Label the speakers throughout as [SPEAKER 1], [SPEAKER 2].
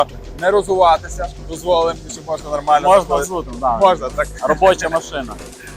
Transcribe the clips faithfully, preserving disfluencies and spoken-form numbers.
[SPEAKER 1] Не розуватися, дозволимо, що можна нормально.
[SPEAKER 2] Можна зутим, да.
[SPEAKER 1] Можна, так.
[SPEAKER 2] Робоча машина.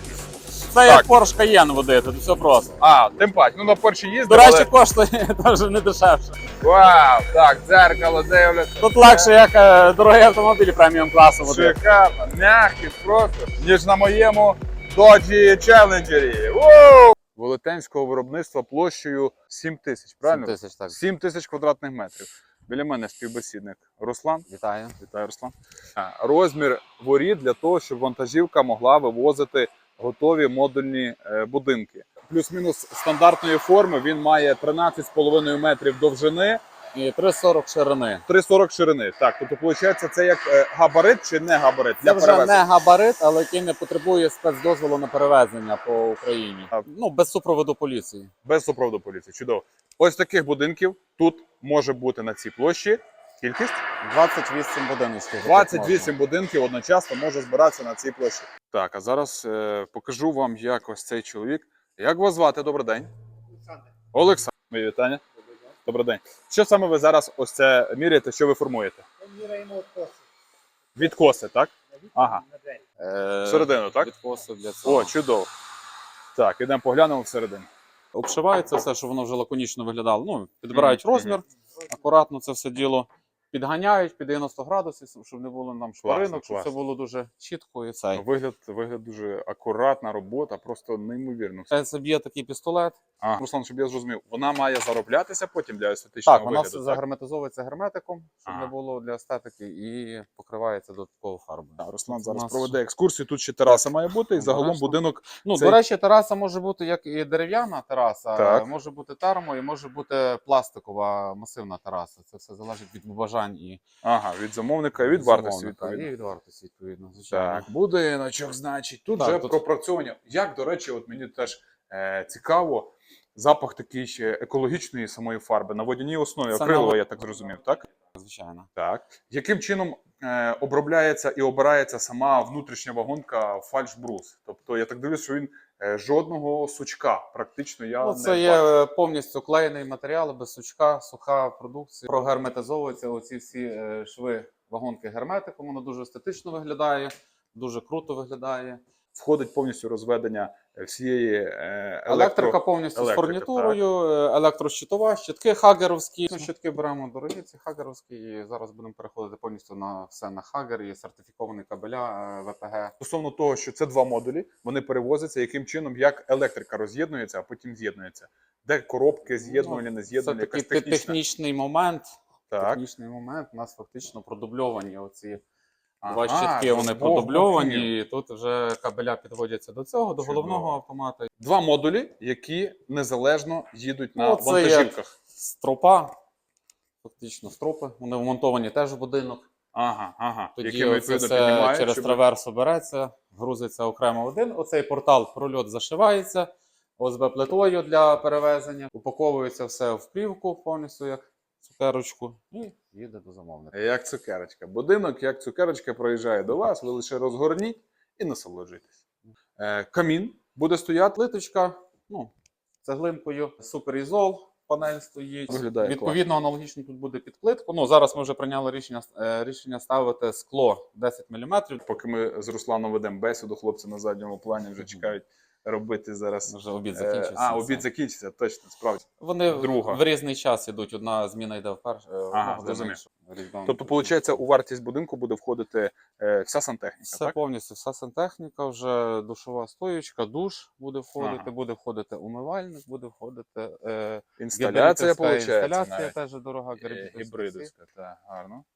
[SPEAKER 2] Це як Porsche Cayenne водити, тут все просто.
[SPEAKER 1] А, тим паче, ну на Порші їздив,
[SPEAKER 2] До речі,
[SPEAKER 1] але...
[SPEAKER 2] коштує теж не дешевше.
[SPEAKER 1] Вау, так, дзеркало, дивлюсь.
[SPEAKER 2] Тут легше, як е, дорогий автомобіль преміум класу водити.
[SPEAKER 1] Шикарно, м'який просто, ніж на моєму Dodge Challenger. Воу! Велетенського виробництва площею сім тисяч, правильно?
[SPEAKER 2] сім тисяч, так.
[SPEAKER 1] сім тисяч квадратних метрів. Біля мене співбесідник Руслан.
[SPEAKER 2] Вітаю.
[SPEAKER 1] Вітаю, Руслан. А, Розмір воріт для того, щоб вантажівка могла вивозити готові модульні е, будинки. Плюс-мінус стандартної форми він має тринадцять з половиною метрів довжини.
[SPEAKER 2] І три сорок ширини.
[SPEAKER 1] три сорок ширини. Так, тобто, виходить, це як е, габарит чи не габарит?
[SPEAKER 2] Це
[SPEAKER 1] для
[SPEAKER 2] вже
[SPEAKER 1] перевезення?
[SPEAKER 2] не габарит, але який не потребує спецдозволу на перевезення по Україні.
[SPEAKER 1] А.
[SPEAKER 2] Ну, без супроводу поліції.
[SPEAKER 1] Без супроводу поліції. Чудово. Ось таких будинків тут може бути на цій площі. Кількість?
[SPEAKER 2] двадцять вісім будиночків.
[SPEAKER 1] двадцять вісім будинків одночасно може збиратися на цій площі. Так, а зараз е, покажу вам, як ось цей чоловік. Як вас звати? Добрий день.
[SPEAKER 3] Олександр.
[SPEAKER 1] Олександр. Мої вітання. Добрий день. Що саме ви зараз ось це міряєте, що ви формуєте?
[SPEAKER 3] Ми міряємо коси.
[SPEAKER 1] Відкоси, так?
[SPEAKER 3] На вікна,
[SPEAKER 1] Ага.
[SPEAKER 3] на двері.
[SPEAKER 2] Е,
[SPEAKER 1] Всередину, так?
[SPEAKER 2] Відкоси для цього.
[SPEAKER 1] О, чудово. Так, ідемо поглянемо всередину.
[SPEAKER 2] Обшивається все, щоб воно вже лаконічно виглядало. Ну, підбирають
[SPEAKER 1] Мгм,
[SPEAKER 2] розмір, акуратно це все діло. Підганяють під дев'яносто градусів, щоб не було нам шпаринок, щоб
[SPEAKER 1] класно.
[SPEAKER 2] все було дуже чітко і все.
[SPEAKER 1] Вигляд, вигляд дуже акуратна робота, просто неймовірно.
[SPEAKER 2] Це б'є такий пістолет.
[SPEAKER 1] А, Руслан, щоб я зрозумів, вона має зароблятися потім для естетичного
[SPEAKER 2] Так, вона
[SPEAKER 1] вигляду,
[SPEAKER 2] все
[SPEAKER 1] так?
[SPEAKER 2] загерметизовується герметиком, щоб
[SPEAKER 1] Ага.
[SPEAKER 2] не було для естетики, і покривається додатково фарбою.
[SPEAKER 1] Так, Руслан
[SPEAKER 2] У
[SPEAKER 1] зараз
[SPEAKER 2] нас-
[SPEAKER 1] проведе екскурсію. Тут ще тераса має бути, і загалом
[SPEAKER 2] Обережно.
[SPEAKER 1] будинок.
[SPEAKER 2] Ну,
[SPEAKER 1] Цей-
[SPEAKER 2] до речі, тераса може бути як і дерев'яна тераса,
[SPEAKER 1] Так.
[SPEAKER 2] може бути термо, і може бути пластикова масивна тераса. Це все залежить від бажань і
[SPEAKER 1] Ага, від замовника і від вартості,
[SPEAKER 2] замовника.
[SPEAKER 1] відповідно.
[SPEAKER 2] І від вартості, відповідно, звичайно.
[SPEAKER 1] Так, будиночок, значить. Тут
[SPEAKER 2] Так,
[SPEAKER 1] вже
[SPEAKER 2] тут-
[SPEAKER 1] пропрацьовування. Як, до речі, от мені теж е, цікаво, запах такий ще екологічної самої фарби на водяній основі,
[SPEAKER 2] Це
[SPEAKER 1] акрилова,
[SPEAKER 2] на-
[SPEAKER 1] я так зрозумів, так?
[SPEAKER 2] Звичайно.
[SPEAKER 1] Так. Яким чином е, обробляється і обирається сама внутрішня вагонка фальшбрус? Тобто, я так дивлюсь, що він е, жодного сучка практично я
[SPEAKER 2] Ну,
[SPEAKER 1] не
[SPEAKER 2] це є
[SPEAKER 1] бачу.
[SPEAKER 2] повністю клеєний матеріал, без сучка, суха продукція. Прогерметизовуються оці всі е, шви вагонки герметиком, воно дуже естетично виглядає, дуже круто виглядає.
[SPEAKER 1] Входить повністю розведення всієї е, електро...
[SPEAKER 2] Електрика повністю
[SPEAKER 1] електрика,
[SPEAKER 2] з фурнітурою, е, електрощитова, щитки хагеровські. Ну, щитки беремо дорогі, ці хагеровські, і зараз будемо переходити повністю на все на хагер і сертифіковані кабеля е, ве пе ге.
[SPEAKER 1] Стосовно того, що це два модулі, вони перевозяться, яким чином, як електрика роз'єднується, а потім з'єднується. Де коробки з'єднувані, не
[SPEAKER 2] Ну, Це
[SPEAKER 1] з'єднувані,
[SPEAKER 2] такий
[SPEAKER 1] якась технічна.
[SPEAKER 2] технічний момент.
[SPEAKER 1] Так.
[SPEAKER 2] Технічний момент, у нас фактично продубльовані оці
[SPEAKER 1] Ага,
[SPEAKER 2] два щитки, вони
[SPEAKER 1] з двох
[SPEAKER 2] продубльовані,
[SPEAKER 1] боків.
[SPEAKER 2] і тут вже кабеля підводяться до цього, до
[SPEAKER 1] Чудово.
[SPEAKER 2] головного автомата.
[SPEAKER 1] Два модулі, які незалежно їдуть на
[SPEAKER 2] Ну, це
[SPEAKER 1] вантажівках.
[SPEAKER 2] Стропа, фактично стропи, вони вмонтовані теж в будинок.
[SPEAKER 1] Ага, ага.
[SPEAKER 2] Тоді
[SPEAKER 1] Якими,
[SPEAKER 2] оце
[SPEAKER 1] відповідно,
[SPEAKER 2] все
[SPEAKER 1] піднімають,
[SPEAKER 2] через
[SPEAKER 1] щоб-
[SPEAKER 2] траверсу береться, грузиться окремо один. Оцей портал, прольот зашивається о ес бе плитою для перевезення. Упаковується все в плівку повністю як цукерочку і їде до замовника.
[SPEAKER 1] Як цукерочка. Будинок, як цукерочка, проїжджає до вас, ви лише розгорніть і насолоджуйтесь. Е, камін буде стояти.
[SPEAKER 2] Плиточка, ну, цеглинкою, суперізол, панель стоїть.
[SPEAKER 1] Виглядає
[SPEAKER 2] Відповідно, аналогічно тут буде під плитку. Ну, зараз ми вже прийняли рішення, е, рішення ставити скло десять міліметрів.
[SPEAKER 1] Поки ми з Русланом ведемо бесіду, хлопці на задньому плані вже
[SPEAKER 2] Мгм.
[SPEAKER 1] чекають робити зараз.
[SPEAKER 2] Вже обід
[SPEAKER 1] Е,
[SPEAKER 2] закінчився.
[SPEAKER 1] А,
[SPEAKER 2] Це.
[SPEAKER 1] обід закінчиться, точно, справді.
[SPEAKER 2] Вони
[SPEAKER 1] друга.
[SPEAKER 2] в різний час ідуть. Одна зміна йде вперше, е, одна година
[SPEAKER 1] зрозумів.
[SPEAKER 2] інша. Різдвяна.
[SPEAKER 1] Тобто, виходить, у вартість будинку буде входити е, вся сантехніка,
[SPEAKER 2] Все
[SPEAKER 1] так?
[SPEAKER 2] повністю, вся сантехніка, вже душова стоєчка, душ буде входити,
[SPEAKER 1] Ага.
[SPEAKER 2] буде входити умивальник, буде входити е,
[SPEAKER 1] Інсталяція,
[SPEAKER 2] гібридівська
[SPEAKER 1] виходить,
[SPEAKER 2] інсталяція
[SPEAKER 1] навіть.
[SPEAKER 2] теж дорога.
[SPEAKER 1] Е, Гібридовська, так, гарно.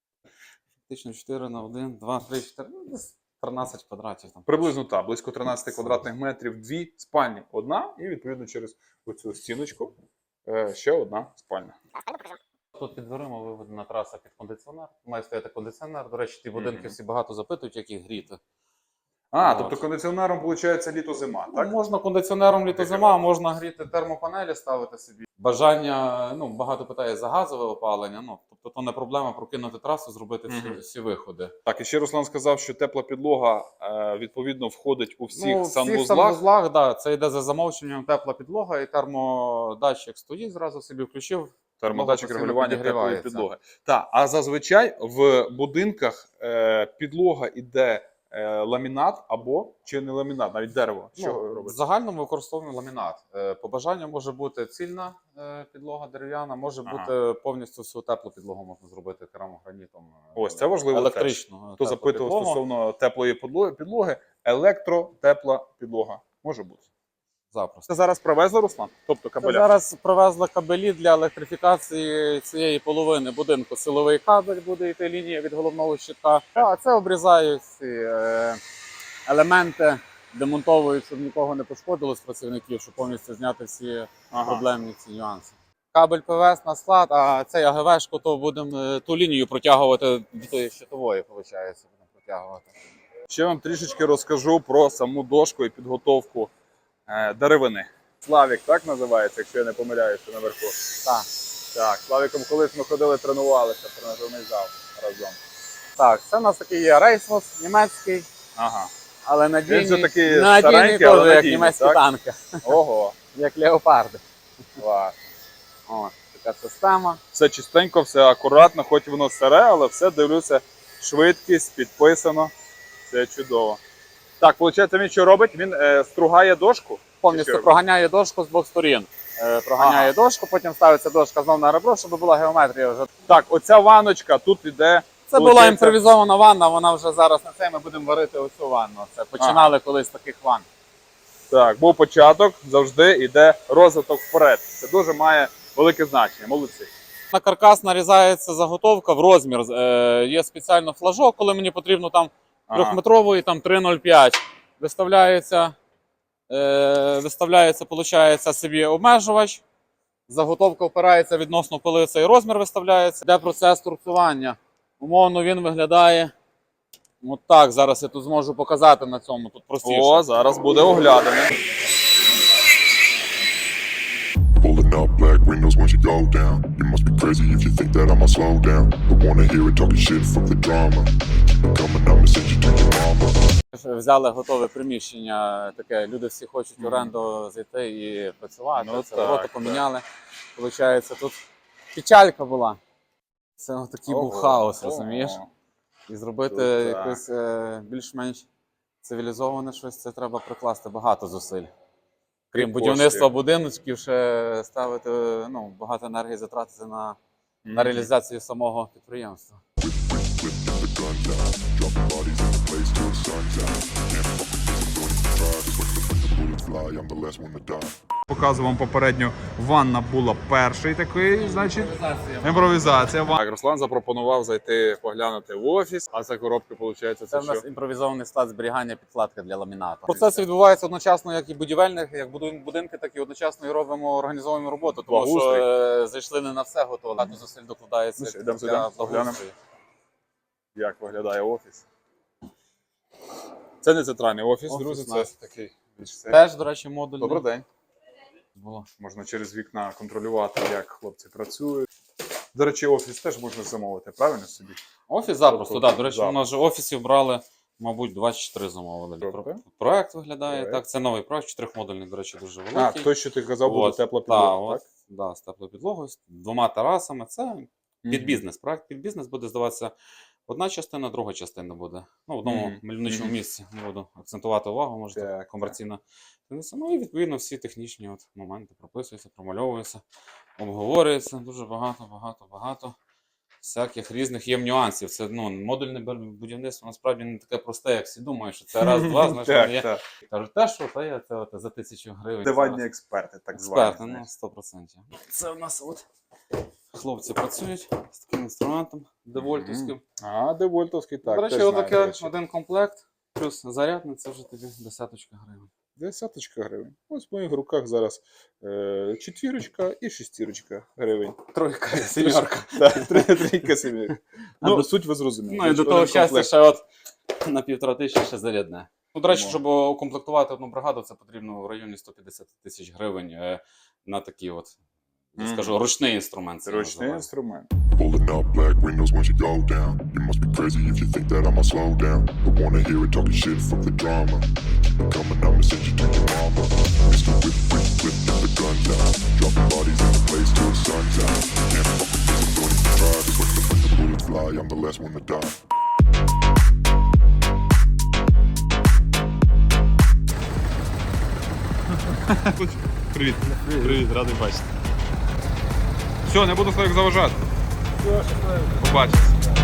[SPEAKER 2] Фактично чотири на один, два, три, чотири, ну, десь тринадцять квадратів там.
[SPEAKER 1] Приблизно так, близько тринадцять квадратних метрів, дві спальні, одна, і відповідно через оцю стіночку е, ще одна спальня.
[SPEAKER 2] Тут під дверима виведена траса під кондиціонер. Має стояти кондиціонер. До речі, ті будинки
[SPEAKER 1] Мгм.
[SPEAKER 2] всі багато запитують, як їх гріти.
[SPEAKER 1] А,
[SPEAKER 2] От.
[SPEAKER 1] тобто кондиціонером, виходить, літо-зима,
[SPEAKER 2] Ну,
[SPEAKER 1] так?
[SPEAKER 2] можна кондиціонером літо-зима, можна гріти термопанелі, ставити собі. Бажання, ну, багато питає за газове опалення. Ну, тобто, то не проблема прокинути трасу, зробити всі,
[SPEAKER 1] Мгм.
[SPEAKER 2] всі виходи.
[SPEAKER 1] Так, і ще Руслан сказав, що тепла підлога е, відповідно входить у всіх
[SPEAKER 2] ну,
[SPEAKER 1] санвузлах.
[SPEAKER 2] всіх санвузлах, да, це йде за замовченням тепла підлога і термодатчик стоїть, зразу собі включив,
[SPEAKER 1] Термодатчик
[SPEAKER 2] постійно
[SPEAKER 1] регулювання теплої
[SPEAKER 2] підігрівається.
[SPEAKER 1] підлоги. Так, а зазвичай в будинках е, підлога іде е, ламінат або чи не ламінат, навіть дерево. Що
[SPEAKER 2] Ну, в
[SPEAKER 1] робиться?
[SPEAKER 2] загальному використовуємо ламінат. Е, По бажанню може бути цільна е, підлога дерев'яна, може
[SPEAKER 1] Ага.
[SPEAKER 2] бути повністю всю теплу підлогу можна зробити керамогранітом. е,
[SPEAKER 1] Ось, це важливо
[SPEAKER 2] електричну.
[SPEAKER 1] Хто
[SPEAKER 2] теплу
[SPEAKER 1] запитував
[SPEAKER 2] підлогу.
[SPEAKER 1] стосовно теплої підлоги, підлоги, електротепла підлога може бути.
[SPEAKER 2] Запросто.
[SPEAKER 1] Це зараз привезли, Руслан? Тобто
[SPEAKER 2] Це
[SPEAKER 1] кабеля?
[SPEAKER 2] зараз привезли кабелі для електрифікації цієї половини будинку. Силовий кабель буде йти лінія від головного щитка. А це обрізають ці е, елементи, демонтовують, щоб нікого не пошкодило з працівників, щоб повністю зняти всі
[SPEAKER 1] Ага.
[SPEAKER 2] проблемні ці нюанси. Кабель ПВС на склад, а цей АГВшку, то будемо е, ту лінію протягувати до тої щитової, виходить, будемо протягувати.
[SPEAKER 1] Ще вам трішечки розкажу про саму дошку і підготовку е, деревини. Славік, так називається, якщо я не помиляюся наверху.
[SPEAKER 2] Так.
[SPEAKER 1] Так, Славіком колись ми ходили, тренувалися в тренажерний зал разом.
[SPEAKER 2] Так, це у нас такий є рейсмус німецький,
[SPEAKER 1] Ага.
[SPEAKER 2] але надійний,
[SPEAKER 1] Він же такий
[SPEAKER 2] надійний
[SPEAKER 1] старенький,
[SPEAKER 2] теж,
[SPEAKER 1] але
[SPEAKER 2] як
[SPEAKER 1] надійний,
[SPEAKER 2] німецькі
[SPEAKER 1] так?
[SPEAKER 2] танки,
[SPEAKER 1] Ого.
[SPEAKER 2] як леопарди.
[SPEAKER 1] Клас.
[SPEAKER 2] О, така система.
[SPEAKER 1] Все чистенько, все акуратно, хоч воно старе, але все дивлюся, швидкість, підписано. Це чудово. Так, виходить, він що робить? Він е, стругає дошку?
[SPEAKER 2] Повністю
[SPEAKER 1] Що?
[SPEAKER 2] проганяє дошку з двох сторін. Е, проганяє дошку, потім ставиться дошка знов на ребро, щоб була геометрія вже.
[SPEAKER 1] Так, оця ваночка тут іде.
[SPEAKER 2] Це була
[SPEAKER 1] Получається-
[SPEAKER 2] імпровізована ванна, вона вже зараз на це ми будемо варити оцю ванну. Це починали колись з таких ванн.
[SPEAKER 1] Так, був початок, завжди йде розвиток вперед. Це дуже має велике значення. Молодці.
[SPEAKER 2] На каркас нарізається заготовка в розмір. Е, є спеціально флажок, коли мені потрібно там
[SPEAKER 1] Ага.
[SPEAKER 2] трьохметрової, там три нуль п'ять. Виставляється, е, виставляється, получається собі обмежувач. Заготовка опирається відносно, коли цей розмір виставляється. Йде процес торцювання. Умовно він виглядає от так. Зараз я тут зможу показати на цьому. Тут простіше.
[SPEAKER 1] О, зараз буде оглядане.
[SPEAKER 3] Pulling up black windows once you go down. You must be crazy if you think that I'ma slow down. Don't wanna hear it talking shit, fuck the drama. Keep it coming, I'ma send you to your mama.
[SPEAKER 2] Взяли готове приміщення, таке, люди всі хочуть в
[SPEAKER 1] Мгм.
[SPEAKER 2] оренду зайти і працювати.
[SPEAKER 1] Ну
[SPEAKER 2] це
[SPEAKER 1] так,
[SPEAKER 2] ворота
[SPEAKER 1] так.
[SPEAKER 2] поміняли. Получається, тут печалька була. Це такий був
[SPEAKER 1] Ого,
[SPEAKER 2] хаос,
[SPEAKER 1] ого.
[SPEAKER 2] розумієш? І зробити
[SPEAKER 1] Тут так.
[SPEAKER 2] якось е, більш-менш цивілізоване щось, це треба прикласти багато зусиль. Крім
[SPEAKER 1] І
[SPEAKER 2] будівництва
[SPEAKER 1] коштів.
[SPEAKER 2] будиночків, ще ставити ну, багато енергії затратити на, на
[SPEAKER 1] Мгм.
[SPEAKER 2] реалізацію самого підприємства.
[SPEAKER 3] Whip the guns out. Dropping bodies in the place till the sun's out. Can't fuck with this, I'm going to try. Just wait to the bullets fly, I'm the last one to die.
[SPEAKER 1] Показував вам попередньо, ванна була перший такий, значить, імпровізація. Так, Руслан запропонував зайти поглянути в офіс, а це коробки, виходить, це,
[SPEAKER 2] Це в нас
[SPEAKER 1] що?
[SPEAKER 2] імпровізований склад зберігання підкладки для ламінату. Процес відбувається одночасно як і будівельних, як будуємо будинки, так і одночасно і робимо організовуємо роботу. Тому що
[SPEAKER 1] Благоустрій.
[SPEAKER 2] е, зайшли не на все готово, багато зусиль докладається
[SPEAKER 1] Ну що, йдемо
[SPEAKER 2] для
[SPEAKER 1] сюди, поглянемо.
[SPEAKER 2] благоустрою.
[SPEAKER 1] Як виглядає офіс. Це не центральний офіс,
[SPEAKER 2] Офіс
[SPEAKER 1] друзі,
[SPEAKER 2] наш.
[SPEAKER 1] це такий більш це.
[SPEAKER 2] Теж, до речі, модульний.
[SPEAKER 1] Добрий день.
[SPEAKER 2] Було.
[SPEAKER 1] Можна через вікна контролювати, як хлопці працюють. До речі, офіс теж можна замовити, правильно собі?
[SPEAKER 2] Офіс запросто,
[SPEAKER 1] Тобто,
[SPEAKER 2] так. До речі,
[SPEAKER 1] запросто.
[SPEAKER 2] у нас же офісів брали, мабуть, двадцять чотири замовили.
[SPEAKER 1] Добре.
[SPEAKER 2] Проект виглядає
[SPEAKER 1] Проект.
[SPEAKER 2] так. Це новий проект, чотирьохмодульний, до речі, дуже
[SPEAKER 1] А,
[SPEAKER 2] великий.
[SPEAKER 1] той, що ти казав, буде
[SPEAKER 2] От,
[SPEAKER 1] тепла
[SPEAKER 2] та,
[SPEAKER 1] підлога,
[SPEAKER 2] от,
[SPEAKER 1] так?
[SPEAKER 2] Да, з теплою підлогою, з двома терасами. Це під
[SPEAKER 1] Мгм.
[SPEAKER 2] бізнес. Проект під бізнес буде здаватися одна частина, друга частина буде. Ну, в одному
[SPEAKER 1] Мгм.
[SPEAKER 2] мальовничому
[SPEAKER 1] Мгм.
[SPEAKER 2] місці. Не буду акцентувати увагу, може,
[SPEAKER 1] Так,
[SPEAKER 2] так,
[SPEAKER 1] так.
[SPEAKER 2] комерційно. Ну і відповідно всі технічні от моменти прописуються, промальовуються, обговорюються. Дуже багато, багато, багато всяких різних є нюансів. Це ну, модульне бу- будівництво насправді не таке просте, як всі думають, що це раз-два, знаєш, воно є.
[SPEAKER 1] Так, так.
[SPEAKER 2] Кажуть, те, що то є це от, за тисячу гривень.
[SPEAKER 1] Диванні
[SPEAKER 2] Це
[SPEAKER 1] експерти, так звані.
[SPEAKER 2] експерти, ну,
[SPEAKER 1] знаєш.
[SPEAKER 2] сто процентів. Це у нас от хлопці працюють з таким інструментом девольтовським.
[SPEAKER 1] А, девольтовський, так.
[SPEAKER 2] До речі,
[SPEAKER 1] теж знаю, до
[SPEAKER 2] отаке
[SPEAKER 1] речі.
[SPEAKER 2] один комплект, плюс зарядний, це вже тобі десяточка гривень.
[SPEAKER 1] Десяточка гривень. Ось в моїх руках зараз е, четвірочка і шестірочка гривень.
[SPEAKER 2] Тройка, сімерка.
[SPEAKER 1] Так, три- трійка сімірка.
[SPEAKER 2] А
[SPEAKER 1] Ну,
[SPEAKER 2] до-
[SPEAKER 1] суть ви зрозуміли.
[SPEAKER 2] Ну і до
[SPEAKER 1] Значить,
[SPEAKER 2] того
[SPEAKER 1] один
[SPEAKER 2] щастя,
[SPEAKER 1] комплект.
[SPEAKER 2] ще от на півтора тисячі ще зарядне. Ну, до речі,
[SPEAKER 1] Ну.
[SPEAKER 2] щоб укомплектувати одну бригаду, це потрібно в районі сто п'ятдесят тисяч гривень е, на такі от я
[SPEAKER 1] Мгм.
[SPEAKER 2] скажу, ручний інструмент.
[SPEAKER 1] Це
[SPEAKER 2] це
[SPEAKER 1] ручний
[SPEAKER 2] називається.
[SPEAKER 1] інструмент.
[SPEAKER 3] Pulling up black windows once you go down. You must be crazy if you think that I'ma slow down. Don't wanna hear it talking shit, fuck the drama. Coming, I'ma send you to your mama. Mister Whip, whip, whip, get the guns out. Dropping bodies in the place till the sun's out. Can't fuck with this, I'm going to try. Just when the, when the bullets fly, I'm the last one to die.
[SPEAKER 1] Привіт. Привіт, радий бачити. Все, не буду своїх заважати. Побачимось.